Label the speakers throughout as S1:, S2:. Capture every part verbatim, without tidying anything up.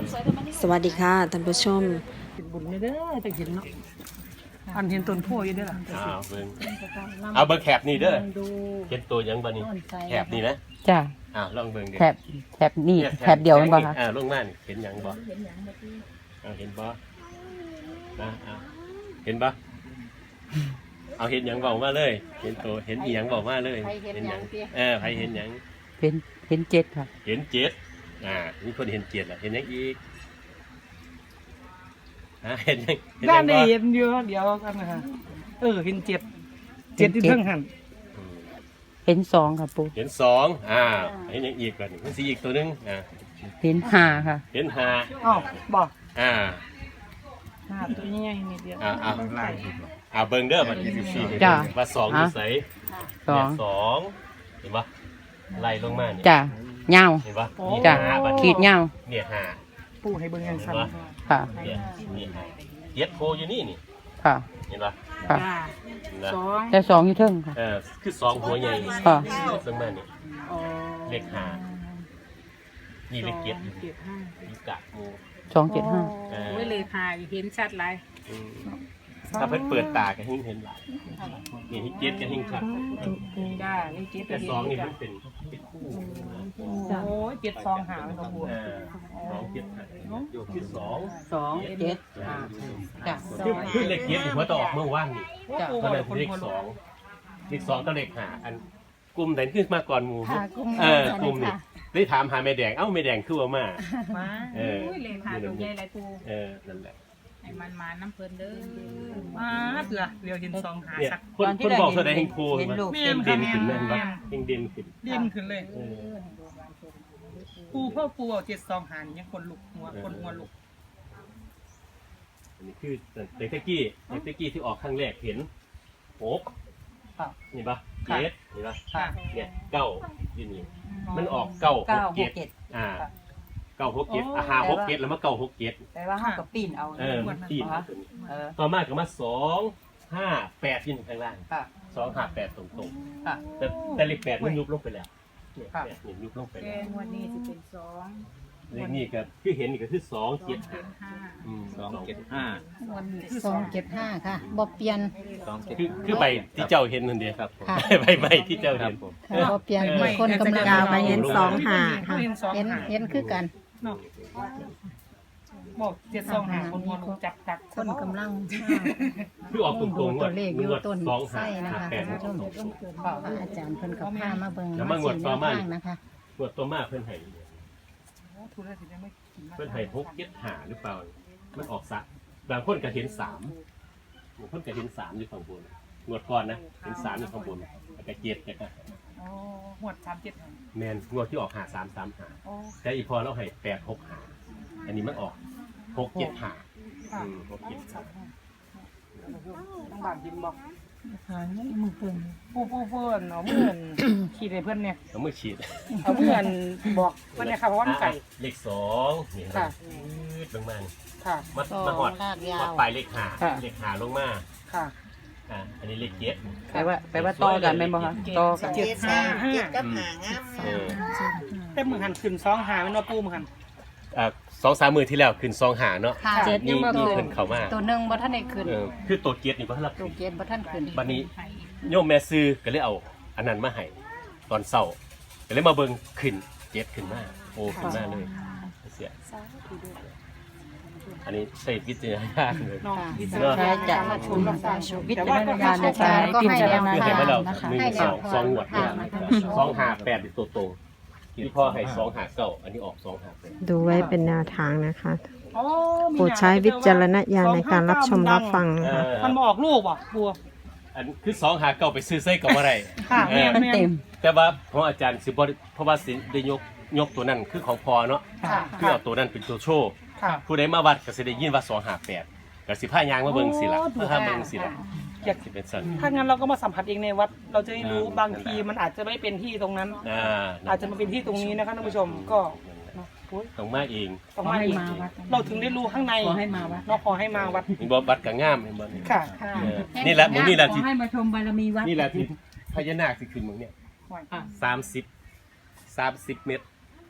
S1: สวัสดีค่ะท่านผู้ชม
S2: บุญไม่ได้แต่เห็นเนาะอันเห็นต้นโพอยู่ด้วยล่ะ
S3: เอาเบิ่งเอาเบิ่งแคบนี่เด้อเห็นตัวยังบ่นี่แคบนี่นะ
S4: จ้า
S3: อ้าวลองเบิ่งดิ
S4: แถบแถบนี่แถบเดียวมันบ่คะ
S3: อ่าลงมานี่เห็นหยังบ่เอาเห็นบ่นะเอาเห็นบ่เอาเห็นหยังบอกมาเลยเห็นตัวเห็นอีหยังบอกมาเลยเห็นหยังเออใครเห็นหยัง
S4: เห็นเห็นเจ็ดค่ะ
S3: เห็นเจ็ดอ่ามีคนเห็นเจ็ดล่ะเห็นหยังอีกฮะเห็นหยังเห็นห
S2: ด้า
S3: ยั
S2: น
S3: ง
S2: นี้
S3: บ่
S2: เห็นเยอะเดียวกันนะฮะเออเห็นเจ็ดเจ็ดที่เพิ่งหัน
S3: อืม
S4: เห็นสองค่ะปู
S3: เห็นสองอ่าเห็นหยังอีกก่อนนี่มันสิอีกตัวหนึงอ่า
S4: เห็นห้าค่ะ
S3: เห็นห้า
S2: อ้าวบอก
S3: อ่า
S2: หาตัวนี้ยังนิดเดียว
S3: อ่าอ่าอ่าเบิ่งเด้อบัดนี้สิ
S4: จ้ะ
S3: ว่าสองอยู่ไส
S4: สอง
S3: เนี่ยสองเห็นปะไล่ลงมาเนี่ย
S4: จ้าเงา
S3: เห็นปะ
S4: จ้า
S3: หาบัด
S4: ขีดเงา
S3: เนี่ยหา
S2: ปูให้เบิ่งยังสั่น
S4: ค่ะ
S3: เนี่ยเนี่ยหาเย็ดโพอยู่นี่นี่
S4: ค่ะ
S3: เห็นปะ
S4: ค่ะ
S3: เห็นปะ
S2: สอง
S4: แต่สองอยู่เทิงค่ะ
S3: เออคือสองหัวใหญ่
S4: ค่ะ
S3: ลงมาเนี่ยเลขหานี่เลขเจ็ด
S2: เจ็ดห้า
S3: มีกะมู
S4: สองเจ็ดห้า
S3: เออ
S5: ไว้เลยค่ะเห็นชัดเลย
S3: อืมถ้าเพิ่นเปิดตาก็หิ้งเห็นหลายนี่ที่เจ็ดก็หิ้งชัด
S2: จ้านี่เจ็ด
S3: แต่สองนี่มันเป็นเป็นคู่
S2: โอ้ยเจ็ดสองหาเป็นปู
S3: เออสองเจ็ดหาโยกที่สอง
S4: สองเจ็ดห้าจ้า
S3: คือคือเลขเจ็ดหัวต่อออกเมื่อวานนี่
S4: จ้า
S3: ก็เลยเลขสองเลขสองก็เลขหาอันกลุ่มไหนขึ้นมาก่อนหมู่
S5: ค่ะกลุ่ม
S3: เออกลุ่มนี่ได้ถามหาแม่แดงเอ้าแม่แดงคือว่ามา
S2: มา
S3: เออ
S5: อุ้ยเลยค่ะตรงใหญ่ไรปู
S3: เออนั่นแหละ
S5: ให้มันมาน้ำเพลินเด้อ
S2: มาเถื่อเดี๋ยวเห็นสองหา
S3: เนี่ย
S2: สัก
S3: คนคนบอกเท่าใดแห่งโพ
S4: เห็น
S3: มัน
S4: ลูก
S2: แม่
S3: เด่
S2: น
S3: น
S2: ค่ะ
S3: เด่นขึ้น
S2: แม่
S3: แม่น
S2: น
S3: ปะเด่นเด่นขึ้น
S2: เด่นขึ้นเลย
S3: เออ
S2: ปูพ่อปูเอาเจ็ดสองหานี่ยังคนลุกหัวคนหัวลุก
S3: อันนี้คือเด็กตะกี้เด็กตะกี้ที่ออกครั้งแรกเห็นหก
S2: ครับ
S3: นี่ปะเจ็ดนี่ปะ
S2: ค่ะ
S3: เนี่ยเก้าอยู่นี่มันออกเก้าห
S4: เก้าก ห
S3: เจ็
S4: ก
S3: ด
S4: เจ็ด
S3: อ่าเก้าหกเจ็ดอาหาหกเจ็ดแล้วมาเก้าหกเจ็ด
S4: แต่ว่าห้ากับปีนเอา
S3: เออมันตีน
S4: เออ
S3: ต่อมาก็มาสองห้าแปดที่ข้างล่าง
S4: ค่ะ
S3: สองห้าแปดตรง
S4: ค่ะ
S3: ๆแต่แต่เลขแปดมันยุบลงไปแล้วเนี่ย
S4: ค่ะ
S3: แปดเนี่ยยุบลงไป
S5: แก
S3: แล้ว
S5: งวันนี้จะเป็นสอง
S3: เลขนี้ก็คือเห็นนี่ก็คือสองเจ็ด
S5: เป็นห้า
S3: อืม
S6: สองเจ็ดห้า
S5: วันนี้
S7: สองเจ็ดห้าค่ะบ่เปลี่ยน
S6: สองเจ็ด
S3: คือคือใบที่เจ้าเห็นนั่นเดียว
S6: ครับผม
S7: ค่ะ
S3: ใบใบที่เจ้า
S6: ครั
S3: เห็
S6: บ
S3: น
S6: ผม
S7: ค่ะบ่เปลี่ยนมีคนกำลัง
S1: ดาวมาเห็นสองหาค่ะ
S2: เห็นสอง
S7: เห็น
S2: หา
S7: เห็นคือกัน
S2: เนาะบอกเจ็ดสองหาคนหัวลุกจับจับ
S7: คนกำลัง
S3: คือออกตรงๆ
S7: ดู
S3: ง
S7: ตัว วเลขอยู่
S3: งวด
S7: ต้น
S3: สอง
S7: ไส้
S3: ห้า
S7: นะคะ
S3: แปด
S7: ท่านผู้ชมพระอาจารย์เพิ่นกับพามาเบิ่ง
S3: แล้วมางวดต่อมา
S7: สี่แนวทางนะคะ
S3: งวดตัวมาเพิ่นให้
S2: ทุเรศยังไม่กิน
S3: เพิ่นให้หกเจ็ดหาหรือเปล่ามันออกสักบางคนก็เห็นสามบางคนก็เห็นสามอยู่ข้างบนงวดก่อนนะเห็นสามอยู่ข้างบนแล้วก็เจ็ดแล้วก็
S2: อ๋อหวดสามเจ็ด
S3: แมนงวดที่ออกหาสามสามหา
S2: โอ้
S3: แต่อีพอเราให้แปดหกหาอันนี้มันออกหกเจ็ดหา
S2: ค่ะ
S3: อืมหกเจ็ดหา
S2: ต้องบานกินบอกหาเงินมือเพิ่นผู้ผู้เพิ่นเอาเมื่อนขี่ในเพื่อนเนี่ย
S3: เอามือฉีด
S2: เอาเมื่อนบอกเพื่อนเนี่ยค่ะเพราะว่ามันไก่
S3: เลขสองนี่
S2: ค่ะ
S3: ยืดลงมา
S2: ค่ะ
S3: มามาหอด
S7: ลากยา
S3: หอด
S7: ว
S3: ปลายเลขหา
S4: ค่ะ
S3: เลขหาลงมา
S2: ค่ะ
S3: อ่าอันนี้เลขเจ็ด
S4: แปลว่าแปลว่าต่อกันเป็นบ่คะต่อกัน
S2: เจ็ดห้าห้า
S3: เออ
S2: แต่มือหันขึ้นสองหาเป็นว่าปูมือหัน
S3: อ่าสองสามมือที่แล้วขึ้นซองหาเนาะ
S7: ค่ะ
S2: เจ็ด
S3: นี่
S7: ยังบ่
S3: นี่
S7: ขึ้
S3: เพิ่น
S7: น
S3: เข้ามา
S7: ตัวหนึงบ่ทันได้ขึ้น
S3: เออคือตัวเกียรตินี่บ่ทันรับ
S7: ตัวเกณฑ์บ่ทันขึ้น
S3: บัดนี้โยมแม่ซื้อก็เลยเอาอันนั้นมาให้ตอนเช้าก็เลยมาเบิ่งขึ้นเจ็ดขึ้นมาโอ้ขึ้นมาเลยเสียอันนี้ใส่วิจารณญาณเลย
S2: เนาะ
S7: ค่ะ
S2: วิ
S4: ใช่จ้ะ
S2: ชมรับฟัง
S4: วิจารณญาณในการพิจารณา
S3: คือให้มาแล้ว
S7: นะคะ
S3: หนึ่ง
S7: ให้
S3: ส
S7: แน
S3: อ
S7: ว
S3: ง
S7: ทาง
S3: สองหวดเนี่ย
S7: ค่ะ
S3: สองหาแปดเป็นตัวตรงที่พ่อให้สองหาเก้าอันนี้ออกสองหาแปด
S1: ดูไว้เป็นแนวทางนะคะ
S2: อ๋อมี
S1: โปรดใช้วิจารณญาณในการรับชมรับฟัง
S3: เอ
S1: นะคะ
S3: อ
S2: มันมาออกลูกว่ะบัว
S3: อันคือสองหาเก้าไปซื้อไส้กับอะไร
S2: ค่ะ
S3: เอ
S2: แม่
S3: อ
S2: น
S4: มัน
S2: แม่
S4: เต็
S2: น
S4: ม
S3: แต่ว่าเพราะอาจารย์สิบ่ได้เพราะว่าสิได้ยกยกตัวนั้นคือของพอเนาะ
S2: ค่ะ
S3: คือเอาตัวนั้นเป็นตัวโชว์
S2: ค่ะ
S3: ผู้ใดมาวัดก็สิได้ยินว่าสองหาแปดก็สิพายางมาเบิ่งสิล่ะ
S2: โอ้ถูก
S3: เพื่อหาเบิ่งสิล่ะ
S2: อยาก
S3: สิเป็นสัน
S2: ถ้างั้นเราก็มาสัมผัสเองในวัด เราจะได้รู้
S3: อ่า
S2: บางทีมันอาจจะไม่เป็นที่ตรงนั้น
S3: อ่า
S2: อาจจะมาเป็นที่ตรงนี้นะคะท่านผู้ชมก็เนาะโอ้ย
S3: ต้องมาเอง
S2: ต้องมาอีก
S4: ขอให้มาวัด
S2: เราถึงได้รู้ข้างใน
S4: ขอให้มาวัด
S2: เนาะขอให้มาวัด
S3: มีบ่วัดก็งามเห็นบ่นี่
S2: ค่ะ
S3: เออนี่แหละมึงนี่แหละ
S4: ข
S3: ที่
S4: อให้มาชมบารมีวัด
S3: นี่แหละที่พญานาคสิขึ้นมึงเนี่ย
S4: อ่ะ
S3: สามสิบ สามสิบเมตร
S2: อ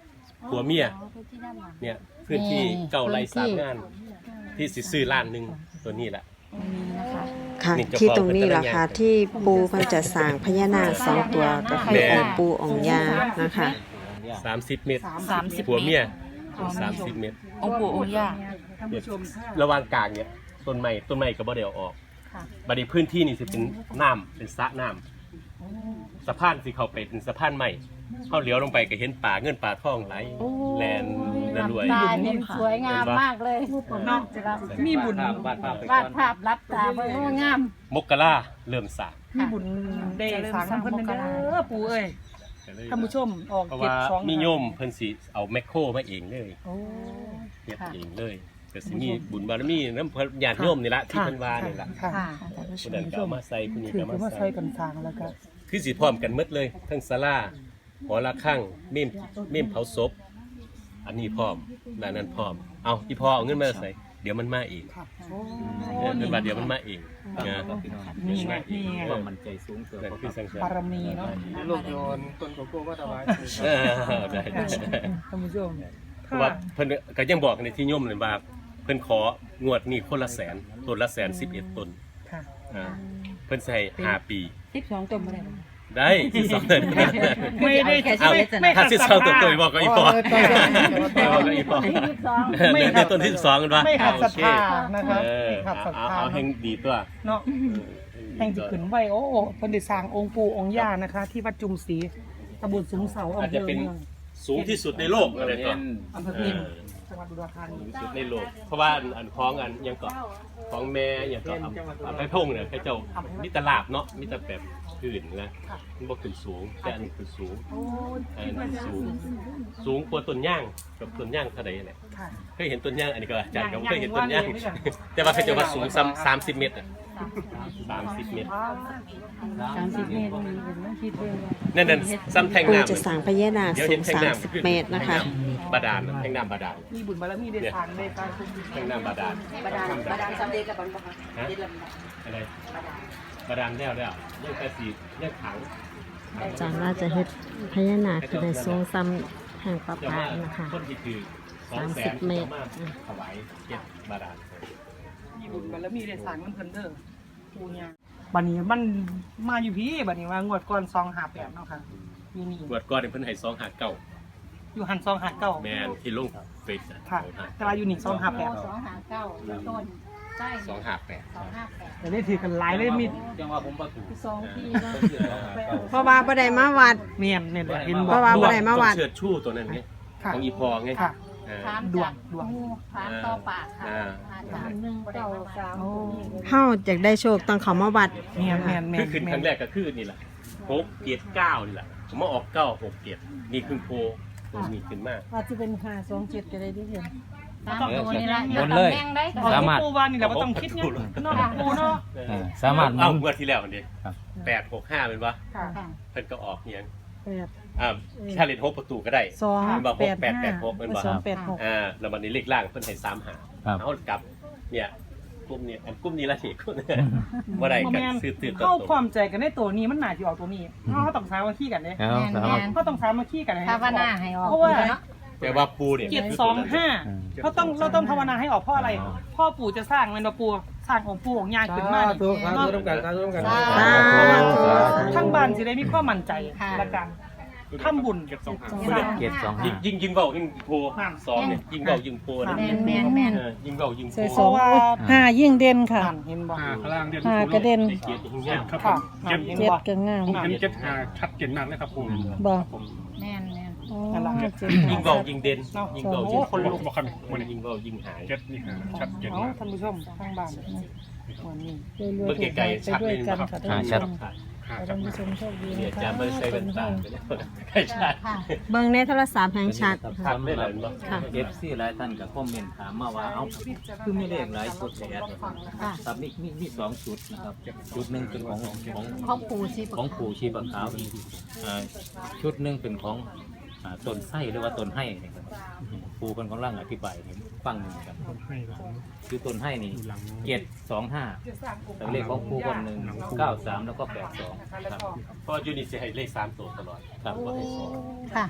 S3: ผัวเมียเนี่ยพื้นที่เก่าไรสามงาน ที่สิซื้อล้านหนึงตัวนี้แหละ
S1: ค่ะ
S3: นี่เจ้าของ
S1: ที่ตรงนี้
S3: เป็น
S1: ล่ะ
S3: ตะ
S1: ค่ะ
S3: ยาน
S1: ที่ปูเพิ่นจะสร้างพญานาคสองตัวก็คือองค์ปูองค์ย่านะคะ
S3: สามสิบเมตร
S4: สามสิบ
S3: ผัวเมีย
S4: อ๋อ
S3: สามสิบเมตร
S4: องค์ปู่องค์ย่า
S3: เนี่ยระหว่างกลางเนี่ยต้นไม้ต้นไม้ก็บ่ได้เอาออกบัดนี้พื้นที่นี่สิเป็นน้ำเป็นสระน้ำสะพานสิเข้าไปเป็นสะพานใหม่เข้าเลี้ยวลงไปก็เห็นป่าเงินป่าทองไหลแลนระรวย
S7: ตาเนี่ยสวยงามมากเลย
S2: เนาะมีบุญ
S6: วาดภาพไป
S7: วา
S6: ก่
S7: ด
S6: อน
S7: ภาพรับตาเบิ่งโอ้งาม
S3: มกราเริ่มสร้าง
S2: มีบุญได้สร้างน้ำเพิ่นเด้อปู่เอ้ยท่านผู้ชมออก
S3: เพราะ
S2: เก็บ
S3: ว่า
S2: สอง
S3: มีโยมเพิ่นสิเอาแมคโครมาเองเลย
S2: โอ้
S3: เฮ็ดเองเลยก็สิมีบุญบารมีนำเพิ่นญาติโยมนี่ละที่เพิ่นว่านี่ละ
S2: ค่ะ
S3: ผู้นั้นก็เอามาใส่ผู้นี้
S2: ถือ
S3: ก็
S2: ว่า
S3: มา
S2: ใส่
S3: ใส่
S2: กันสร้างแล้วก็
S3: คือสิพร้อมกันหมดเลยทั้งศาลาหอระฆังเมมเมมเผาศพอันนี้พร้อมด้านนั้นพร้อมเอาอีพ่อเอาเงินมาใส่เดี๋ยวมันมาเอง
S2: โอ้
S3: เออเงินบาทเดี๋ยวมันมาเองนะ
S2: นี่ไงนี่ไง
S6: ความมั่นใจสูงเกิน
S3: นั่นคือสังเกต
S2: บารมีเนาะ
S6: ลูกโยนต้นโกโก้ก็ถวาย
S3: เออได้ได้
S2: ท่านผู้ชม
S3: เพราะว่าเพิ่นก็ยังบอกในที่โยมเลยว่าเพิ่นของวดนี้คนละแสนต้นละแสนสิบเอ็ดต้น
S2: ค่ะ
S3: อ่าเพิ่นใส่ห้าปี
S4: สิบสองตัวบ่ได้บ่
S3: ได้ที่สองเดือน
S2: ไม่ได้
S3: เอา
S2: ไม่ไม่
S3: ถ้า
S2: ขัด
S3: สิบ
S2: ศ
S3: สอง
S2: รัท
S3: ตัว
S2: ธา
S3: ตัวบอกก็อีพอบอกก็อีพอ
S2: ไม่
S3: เนี่ย
S2: ขัด
S3: ต้นที่สิบสองกันปะ
S2: ไม่ขัดศรัทธา
S3: โอเค
S2: นะครับ
S3: เออ
S2: ไม่ขัดศรัท
S3: เอา
S2: ธา
S3: เอาแห่งดีตัว
S2: เนาะแห่งที่ขึ้นไว้โอ้เพิ่นได้สร้างองค์ปู่องค์ย่านะคะ ที่วัดจุมศรีตำบลสูงเสา
S3: อาจ
S2: อำเภ
S3: จะ
S2: อ
S3: เป็น
S2: เมือง
S3: สูงที่สุดในโลกอะไรก็
S2: อำเภอ
S3: เอ
S2: พิณ
S3: อ
S2: จังหวัดอุดรธานี
S3: สูงสุดในโลก เพราะว่าอันอันคล้องอันยังเกาะของแม่ยังเกาะอันไผ่พงเนี่ยไผ่เจ้ามิตรลาบเนาะมิตรแบบขึ้นนะมันบ่ขึ้นสูงแต่อันนี้ขึ้นสูง
S2: โอ้
S3: อันนี้สูง สูงกว่าต้นย่างกับต้นย่างเท่าไหร่แหละ
S2: ค่ะ
S3: เคยเห็นต้นย่างอันนี้ก็อาจารย์ก็เคยเห็นต้น
S2: ย่า
S3: ย่าง ง
S2: ย่างย่าง
S3: แต่ว่าเขาจะว่าสูงซ้ำสามสิบเมตรอะสามสิบเมตร
S4: สามสิบเมตรนี่เป็นต้องคิดด้วยว่า
S3: นั่นนั่นซ้ำแท่ง
S1: ปู
S3: น้ำ
S1: จะสร้างพญานาค
S3: เดี๋ยว
S1: สู
S3: เห็น
S1: ง
S3: แท่ง
S1: สาม
S3: น้ำ
S1: สิบเมตรนะคะ
S3: บาดาลแท่งน้ำบาดาล
S2: มีบุญบารมีได้สร้างได้การคุ้ม
S3: แท่งน้ำบาดาล
S4: บาดาลบาดาลสำเร็จแล้วบ่คะ
S3: ฮะ
S4: เฮ็ดแล้ว
S3: อะไรบาดาลแล้วแล้วเรื่องกระสีเรื่องขัง
S1: อาจารย์ว่าจะเฮ็ดพญานาคคือในทรงซ้ำแห่งประ
S3: จะ
S1: พา
S3: ว่า
S1: สนะคะ
S3: ต้นที่คือสองแสน
S1: สามสิบเมตร
S3: ถวายเก็บบาดาล
S2: มีบุญบารมีได้สร้างมันเพิ่นเด้อปู่ย่าบัดนี้มันมาอยู่พี่บัดนี้ว่างวดก่อนสองห้าแปดเนาะค่ะอยู่นี่
S3: บวชก่อนเพิ่นให้สองหาเก้า
S2: อยู่หันสองห้าเก้า
S3: แมนที่ลงเฟซอะ
S2: ค่ะแต่ว่าอยู่นี่สองห้าแปด
S7: สองหาเก้าต้นใช่
S3: สองหาแปด
S7: สองห้าแปด
S2: แต่ได้ถือกันหลายเลยมี
S6: ยังว่าผมประตู
S7: สองที่เนาะ
S1: เพราะว่าบ่ได้มาวัด
S2: เมียนเนี่ยแหละเห็น
S1: เพราะว่าบ่ได้มาวัด
S3: ต้องเชิดชู่ตัวนั้นไง
S2: ค่ะ
S3: ของอีพอไง
S2: ค่ะ
S3: เออ
S7: ถาม
S2: ดว
S7: จาง ก
S2: ดวง
S7: งูถามต่อปากค่ะ
S3: อ่า
S7: อาจารย์หนึ่งเก้าสาม
S2: โอ้
S1: เฮาอยากได้โชคต้องเขามาวัด
S2: เมียนเมียนเมีย
S3: คือน ขึ้น
S2: เมี
S3: ค
S2: ย
S3: รั้
S2: น
S3: งแรกก็คือนี่แหละหกเกียรติเก้านี่แหละผมมาออกเก้าหกเกียรตินี่คือโพตัวนี้ขึ้นมาก
S4: อาจจะเป็นห้าสองเจ็ดก็ได้ที่เห็น
S7: ตามตัวนี่ละ
S6: บนเลย
S7: แม่งได้
S2: เอาที่ปูว่านี่แหละว่าต้องคิดไงเนาะปูเนาะ
S6: อ่าสามารถ
S3: เอาเมื่อที่แล้วนี่
S6: ครับ
S3: แปดหกห้าเป็นปะ
S2: ค่ะ
S3: เพิ่นก็ออกเนียง
S4: แปด
S3: อ่าถ้าเล่นหกประตูก็ได้
S4: สอง
S3: เป็นบ่ห
S4: แป
S3: ก
S4: ด
S3: แปด
S4: ห้า
S3: แปดหกเป็นบ่
S4: สองแปดหก
S3: อ่าแล้ววันนี้เลขล่างเพิ่นให้สามหา
S6: ครับ
S3: เอากลับเนี่ยกลุ่มนี้อันกลุ่มนี้ละนี่บ่ได้กันซื้อตื่นตัว
S2: เข้า
S3: ต
S2: ความใจกันในตัวนี้มันหนาที่ออกตัวนี้เขาต้องสามัคคีกันเนี่ย
S6: เอา
S7: แม่น
S6: สามารถ
S7: แม่น
S2: เขาต้องสามัคคีกัน
S7: ภาวนาให้ออก
S2: เพราะว่า
S7: เนาะ
S3: แต่ว่าปูเนี่ย
S2: เจ็ดสองห้าเขาต้องเราต้องภาวนาให้ออกเพราะอะไร พ่อปู่จะสร้างมันมาปู่สร้างองค์ปู่ของยายขึ้นมา
S6: ถูกครับร่วมกันครับร่วมกัน
S7: สา
S2: ทั้งบ้านจะได้มีความมั่นใจ
S7: ค่ะ
S2: ละกันทำบุญ
S6: เจ็ดสองห้า
S3: ยิงยิงยิงเบายิงโพสองเนี่ยยิงเบายิงโพนะ
S7: แม่นแม่นแม่น
S3: เออยิงเบายิงโพ
S2: เพราะว่า
S4: ห้ายิ่งเด่นค่ะ
S2: อ่านเห็นบ่
S8: ห้าข้างล่างเด่น
S4: ห้ากระเด็น
S3: เกียรติยิงยาก
S8: ครับผ
S2: ค่ะ
S8: ม
S2: อ่านเห็น
S4: เจ็ด
S2: บ่
S4: ก็งาม
S8: ผมเห็นเจ็ดห้าชัดเจนมากเลยครับผม
S4: บ่
S8: ครับผม
S7: แม่นแม่น
S4: อ๋อ
S2: นั่นล่ะ
S4: เจ็ด
S3: ยิงเบายิงเด่นยิงเบายิง
S2: คนลุก
S8: บอกกันวันนี้
S3: ยิงเบายิงหาย
S8: เจ็ดนี่หาชัดเจน
S2: เอา
S8: มาก
S2: ท่านผู้ชมทางบ้านวันนี้
S4: รวยๆถูกหวยไปด้วยกันค่ะท่านผู้ชม
S8: ห้า
S4: ขอ
S8: ชั
S4: ท่า
S8: ด
S4: นผู้ชมโชคดี
S3: เนี่ย
S4: นะคะ
S3: จะไม่ใช่เป็นตาใช่ใช่
S7: ค่ะ
S1: เบิ่งในโทรศัพท์แห่งชัด
S3: ชัดไม่หลายมั้ง
S1: ค่ะ
S6: เอฟซีหลายท่านกับคอมเมนต์ถามมาว่าเอ้าคือมีเลขหลายชุดแท้ครับมีมีมีสองชุดนะครับชุดหนึ่งเป็นของของ
S7: พ่อปู่สิ
S6: ของปู่ชีปะขาวอ่าชุดหนึ่งเป็นของอ่าต้นไส้หรือว่าต้นไห้นะครับปู่เป็นของร่างอธิบายให้ฟังหนึ่งครับคือต้นไห้นี่เจ็ดสองห้าแต่เลขของปู่คนหนึ่งเก้าสามแล้วก็แปดสองครับ
S3: เพราะยูนิตจะให้เลขสามตัวตลอด
S6: ครับ
S3: ว่าให้สอง
S7: ค่ะ
S3: เ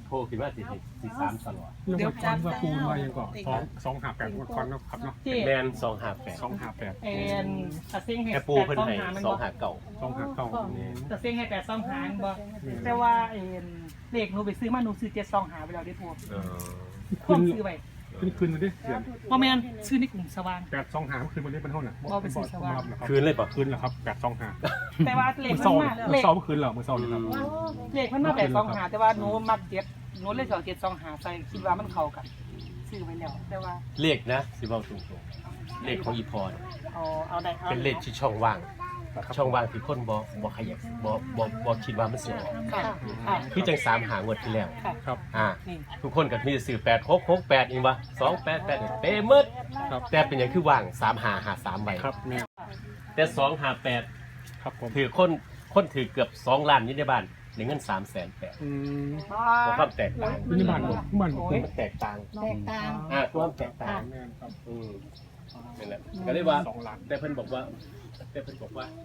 S3: โทรขึ้นมาสิสิสามตลอด
S8: เรื่องก่อนว่าปูมายังก่อนสองสองห้าแปดว่าก่อนเนาะครับเนาะ
S2: ที่
S3: แมนสองห้าแปด
S8: สองห้าแปด
S2: เอ็นตะเซ็งให้
S3: แค่ปูเพิ่นให้
S2: มัน
S3: สอง
S2: บ่
S3: หาเก่า
S8: สองห้าเก้า
S2: ตะเซ็งให้แปดสองหาบ่แต่ว่าเอ็นเลขหนูไปซื้อมาหนูซื้อเจ็ดสองหาไปแล้วได้พวก
S3: เออ
S2: พวกซื้อไป
S8: ขึ้นคืนมาดิเดือน
S2: เพราะแม่นซื้อในกลุ่มสว่าง
S8: แปดสองห้าคืนมาดิเป็นเท่าไหร่
S2: เอาไปซื้อสว่าง
S3: คืนเลยป่ะ
S8: คืนแล้วครับแปดสองห้า
S2: แต่ว่าเลข
S8: เมื่อ
S2: มัน
S8: เช้า
S2: มา
S8: เมื่
S2: เล
S8: อ
S2: ข
S8: เช้าเมื่อคืนเหรอเมื่อเช้านี่ครับ
S2: เลขมันมาแปดสองหาแต่ว่าหนูมักเจ็ดหนูเลยสองเจ็ดสองหาใส่คิดว่ามันเข้ากันซื้อไปแล้วแต่ว่า
S3: เลขนะสิบอกตรงๆเลขของอีพอร์
S2: เอาเอาได้เอา
S3: เป็นเลขที่ช่องว่าง ช่องว่างที่คนบ่บ่ขยับบ่บ่บ่คิดว่ามันสิออก
S2: ค่ะค่ะ
S3: คือจังสามหางวดที่แล้ว
S2: ค่ะ
S8: ครับ
S3: อ่า
S2: นี่
S3: ทุกคนก็มีแต่ซื้อแปดหกหกแปดอีกวะสองแปดแปดเป๊ะหมด
S8: ครับ
S3: แต่เป็นอย่างคือว่างสามหาหาสามใบ
S8: ครับแม่
S3: แต่สองหาแปด
S8: ครับผม
S3: ถือคนคนถือเกือบสองล้านอยี่ในบ้านในเงินสามแสนแปด
S8: อืม
S3: เพราะความแตกต่าง
S8: นี่บ้านผมบ้านผม
S3: มันแตกต่าง
S7: แตกต่าง
S3: อ่าความแตกต่าง
S8: แม่ครับ
S3: อืมนั่นแหละก็เลยว่า
S8: สองล้าน
S3: แต่เพิ่นบอกว่า แต่เพิ่นบอกว่า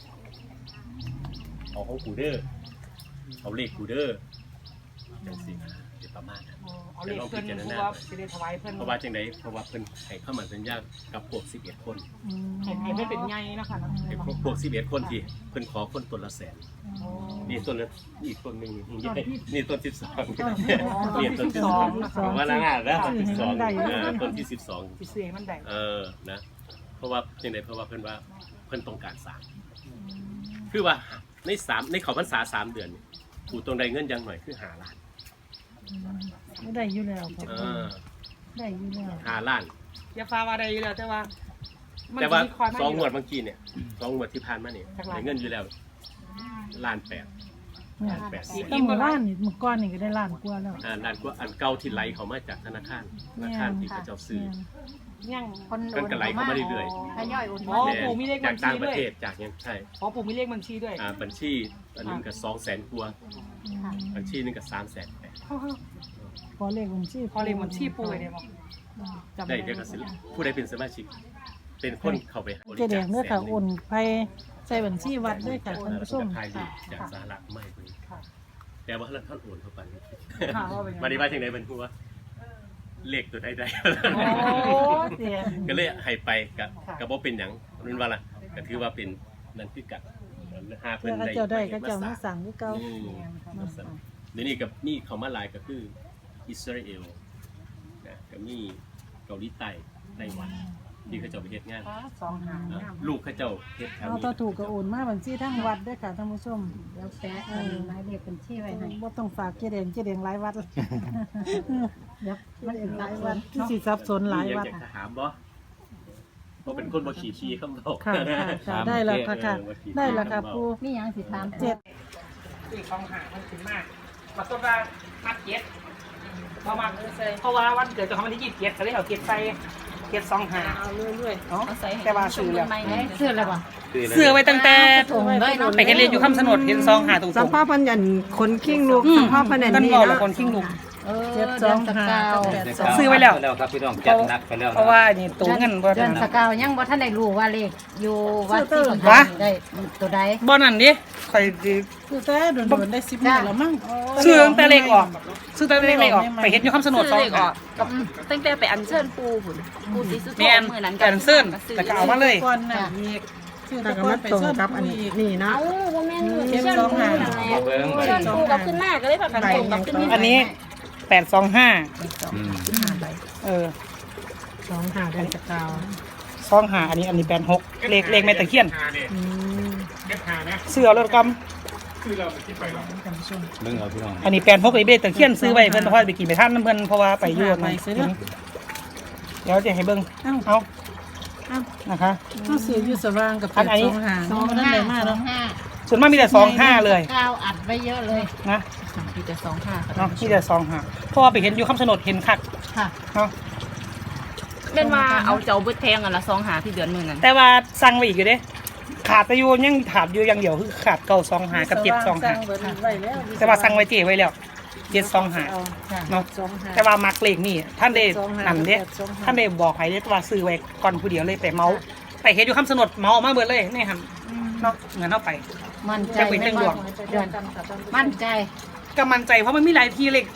S3: เอาของกูเดอร์เอาเลขกูเดอร์จังสิเดี๋ยวประมาณนั้น
S2: เอาเลขเพิ่นเพราะว่าสิได้ถวายเพิ่น
S3: เพราะว่าจังไดเพราะว่าเพิ่นให้เข้ามาสัญญากับพวกสิบเอ็ดคน
S2: ให้ให้เพิ่นเป็นใหญ่เนาะค่ะเนาะ
S3: ไอ้พวกพวกสิบเอ็ดคนที่เพิ่นขอคนต้นละแสนนี่ต้นละอีกต้นหนึงนี่นี่ต้นสิบสองนี่ต้นสิบสองว่าละงานแล้วต้นสิบสองเออต้นที่สิบสอง
S2: สิซื้อให้มันได้
S3: เออ นะ เพราะว่าจังไดเพราะว่าเพิ่นว่าเพิ่นต้องการสร้างคือว่าในสามในเขาพรรษาสามเดือนนี่ผู้ตรงใดเงินอยังหน่อยคือห้าล้าน
S4: ไม่ได้อยู่แล้ว
S3: เออ
S4: ได้อยู่แล้ว
S3: ห้าล้าน
S2: อย่าฟ้าว่าได้อยู่แล้วแต่ว่ามัน
S3: แต่ว่า
S2: สิมีความ
S3: สองงวด
S2: ยู่
S3: เมื่อกี้เนี่ยสองงวดที่ผ่านมาเนี่ย
S2: จักล้าน
S3: ได้เงินอยู่แล้วล้านแปด
S4: เนี่ย
S3: ล้านแปดสิบ
S4: ตั้งหมู่บ้านนี่เมื่อก่อนนี่ก็ได้ล้านกว่าแล้ว
S3: อ่าล้านกว่าอันเก่าที่ไหลเขามาจากธนาคารธนาคารที่เขาเจ้าซื้อ
S2: ยัง
S7: คน
S3: เพิ่นก็ไหลเข้ามาเรื่อย
S7: ทยอยโอน
S2: อ๋อ
S7: มา
S2: ปู่มีเลข
S3: ๆจากต่างประเทศ
S2: บัญชีด้วย
S3: จากยังใช่
S2: อ๋อปู่มีเลขบัญชีด้วย
S3: อ่าบัญชีอันนึงก็สองแสนกว่าบัญชีหนึงก็สามแสนแปด
S4: พอเลขบัญชี
S2: พอเลขบัญชีปู่ไว้ได้บ่จำ
S3: ได้
S2: ได้
S3: เดี๋ยวก็สิผู้ใดเป็นสมาชิก เป็นคนเข้าไปบริ
S4: เจแด
S3: จาค
S4: งเด้อ
S3: แส
S4: ค่ะ
S3: นห
S4: โอนไปใส่บัญชีวัดด้วยค่ะท่านผู้ชม
S3: ไทยจากสหรัฐไม่เพิ่น
S2: ค่ะ
S3: แต่ว่าท่านโอนเข้าไป
S2: ค่ะว่าเป็นยังไง
S3: มาดีว่าจังได๋เพิ่นพูดว่าเลขตัวใดใด
S2: โอ้เสีย
S3: ก็เลยให้ไปก็
S2: ค่ะ
S3: ก็บ่เป็นหยังนั่นว่าล่ะก็ถือว่าเป็นนั่นคือกันหาเพิ่
S4: เพื่อน เขา
S3: ได้
S4: เจ้าได้ก็
S3: มา
S4: เจ้ามา
S3: สร้าง
S4: สั่งคือเก่า
S3: อืมมาสร้างเดี๋ยวนี้กับนี่เขามาหลายก็คืออิสราเอลนะก็มีเกาหลีใต้ไต้หวันที่เขาเจ้าไปเฮ็ดงาน
S2: สองหาง
S3: อ่ะ
S2: งาม
S3: ลูกเขาเจ้าเฮ็ดแถว
S4: เอา
S3: นี้
S4: ถ้าถูกก็โอนมาบัญชีทั้งวัดด้วยค่ะท่านผู้ชม
S7: แล้วแปะอันหมายเลขบัญชีไว้ให้
S4: บ่ต้องฝากเจแดงเจแดงหลายวัดเลยเดี๋ยวมันเองหลายวัด
S2: เนาะ
S4: สิสับสนหลายวัด
S3: มีอากจะถามบ่บ่เป็นคนบ่ขี้ชี้คำบอก
S4: ค่ะค่ะค่ะได้แล้วค่ะค่ะ ได้แล้วค่ะปู
S7: มีหยังสิถาม
S4: เจ็ด
S2: อีกสองหางมันถึงมากมาต้นว่ามัดเก็ตเพราะว่าเพราะว่าวันเกิดเจะของวันที่ยี่สิบเจ็ดเขาเลยเอาเก็ตใส่เก็ตสองหาง
S5: เอาเรื่อย
S2: เนาะ
S5: ๆเอาใส่
S2: แต่ว่าซื้อแล้ว
S5: ใหม่ๆ
S7: เสื้ออะไรบ่
S2: เสื้อไว้ตั้งแต่
S7: ถุงเลยเนาะ
S2: ไปเรียนอยู่คำสนดเห็นซองหาตรง
S1: สัมพ่อพันยันคนขิ้งลูกสัมพ่อพันยัน
S2: กัน
S1: นี่
S2: บอกละ
S1: นะ
S2: คนขิ้งลุง
S7: เออ
S4: เจ็ดส
S7: เดื
S4: อ
S7: อง นส
S4: ห้าก
S7: าว
S4: แปดสอง
S2: ซื้อไว้แล้ว
S6: แล้วครับพี่น้องจัดหนักไปแล้ว
S2: เพราะว่านี่ตัวเงินบ่
S7: เดือนสกาวยังบ่ทันได้รู้ว่าเลขอยู่วัดที่ประ
S2: วะ
S7: ทานได้ตัวใด
S2: บ่นั่นดิข่อยสิ
S4: คือแต่โดนๆได้สิบมื้อแล้วมั้ง
S2: ซื้อตั้งแต่เลขออกซื้อตั้งแต่เลขออกไปเห็นอยู่คำสนดซอง
S5: เลขออกกับตั้งแต่ไปอัญเชิญปูหุ่นปูสีสุโธ
S2: แม่น
S5: มื้อนั้น
S2: แต่อันเซิ่นแต่ก็เอามาเลย
S4: ก่อนน่ะอีกชื่อ
S1: แต่
S4: ตะ
S1: ก็
S4: กอ
S1: มาน
S4: ไป
S1: ตรง
S4: เชิญ
S1: กับอัน
S4: ผู้อีก
S1: นี้เนาะ
S5: เอ้าบ่แม่นมือ
S4: เจ็ด
S5: เชิญ
S4: สอง
S5: ปู
S4: ห้า
S5: นั่นแหละ
S6: มาเบิ่ง
S5: เชิญปูกับขึ้นมาก็เลยพากันตรงกับขึ้นมา
S2: อันนี้แปดสองห้า
S6: อืม
S2: เออ
S1: สองหาได้จากเก่า
S2: ซองหาอันนี้อันนี้แปดหกเลขเลขแม่ตะเคียน
S8: หาเนี่ย
S1: อืม
S8: เก็บหานะ
S2: เสื้อรถก
S8: คือเราไปคิดไปหรอก
S6: เบิ่งเอาพี่น้อง
S2: ำอันนี้แปดหกเลยเบสตะเคียนซื้อไว้เพิ่นเพราะว่าไปกินไปท่านน้ำเพิ่นเพราะว่าไปอยุ่นนเดี๋ยวจะให้เบิ่ง
S4: เอ้า
S2: เอา
S4: เอ้า
S2: นะคะ
S4: ก็ซื้ออยู่สว่างกับ
S2: อันอันนี้
S4: สองหา
S7: สอง
S4: มันนั่น
S7: ห้า
S4: ได้มา
S7: สอ
S4: เนาะ
S7: งห้า
S2: ส่วนมากมีแต่สองห้าเลย
S7: กาวอัดไว้เยอะเลย
S2: นะ
S5: มีแต่สองห้า
S2: เนาะมีแต่สองห้าเพราะว่าไปเห็นอยู่คำสนดเห็นคัก
S7: ค่ะ
S2: เนาะ
S5: เป็นว่าเอาเจ้าเบิดแพงอันละสองหาที่เดือนมื้อนั้น
S2: แต่ว่าสั่งไว้อีกอยู่เด้ขาดแต่อยู่ยังขาดอยู่อย่างเดียวคือขาดเก่าสองหากับเจ็ดสองหา
S4: เบิดไว้แล้ว
S2: แต่ว่าสั่งไว้เจ๊ไว้แล้วเจ็ดสองหา
S4: ค่ะ
S2: เนาะ
S4: สองหา
S2: แต่ว่ามักเลขนี่ท่านได้
S4: สองห้า
S2: นั่นเด้
S4: สองห้า
S2: ท่านได้บอกให้เด้ว่าซื้อไว้ก่อนผู้เดียวเลยไปเมาไปเฮ็ดอยู่คำสนดเมาออกมาเบิดเลยนี่หั่นเนาะเงินเฮาไป
S7: มั่นใจ
S2: จะเป็นเรื่องดวง
S7: เดือนมั่นใจ
S2: ก็มั่นใจเพราะมันมีหลายที่เลข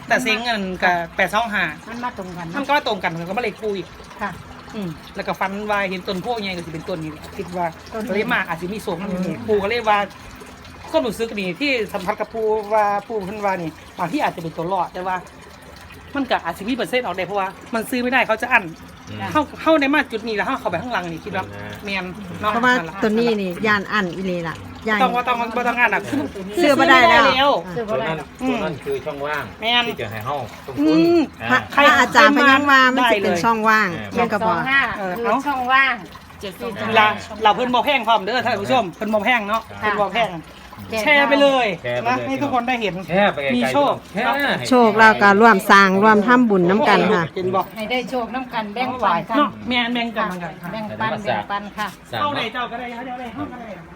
S2: แต่เซ็งเงินกับแปดสองห้า
S4: มันมาตรงกัน
S2: มัน
S4: เนาะ
S2: ก็ตรงกันมันก็มาเลขปูอีก
S4: ค่ะ
S2: อืมแล้วก็ฟันวายเห็นต้นโพใหญ่ก็สิเป็นต้นนี้แหละคิดว่า
S4: ต้นนี้
S2: ก็เลยมาอาจจะมีโศกนั่นเองปูก็เลยว่าข้อรู้สึกนี่ที่สัมผัสกับปูว่าปูเพิ่นว่านี่บางที่อาจจะเป็นตัวรอดแต่ว่า มันก็อาจจะมีเปอร์เซ็นต์ออกได้เพราะว่ามันซื้อไม่ได้เขาจะอั้นเข้าเข้าในมาจุดนี้แล้วเข้าเข้าไปข้างหลังนี่คิดว่าแมนเนาะ
S1: เพราะว่าตัวนี้นี่ยานอันอีเลล่ะยาน
S2: ต้องว่าต้องว่าต้องงานอ่ะคือ
S1: เสื้อบ่ได้แล้ว
S4: ซื้อ
S6: ตั
S4: บ่
S6: ว
S4: ได้
S6: นั้น
S4: หรอก
S6: ตัวนั้นคือช่องว่าง
S2: แม่น
S6: ที่จะให้เฮาต้อง
S2: อื
S6: ทุน
S2: ม
S6: อ่า
S1: พระอาจารย์พยังว่ามันจะเป็นช่องว่าง
S6: เออ
S1: เรื่องกระ
S7: ส
S1: บ
S7: อ
S1: อง ก
S7: ห้าคือช่องว่าง
S5: เจ็ดสอง
S2: เราเราเพิ่นบ่แพงพร้อมเด้อท่านผู้ชมเพิ่นบ่แพงเนาะเพิ่นบ่แพงแชร์ไปเลย
S6: แชร์ไป
S2: นะ
S6: เลย
S2: ให้ทุกคนได้เห็น
S6: แช่ไปไกลๆ
S2: มีโชค
S6: แช่ให้
S1: โชคเราก็ร่วมสร้างร่วมทำบุญน้ำกันค่ะ
S2: เห็นบ่
S7: ให้ได้โชคน้ำกันแบ่งปันกัน
S2: เนาะแม่นแบ่งกันเหมือนกันค่ะ
S7: แบ่งปันแบ่งปันค่ะ
S6: สร้าง
S2: เข้าใน
S6: เนาะ
S2: เจ้าก็ได้เดี๋ยวได้เฮาก็ได้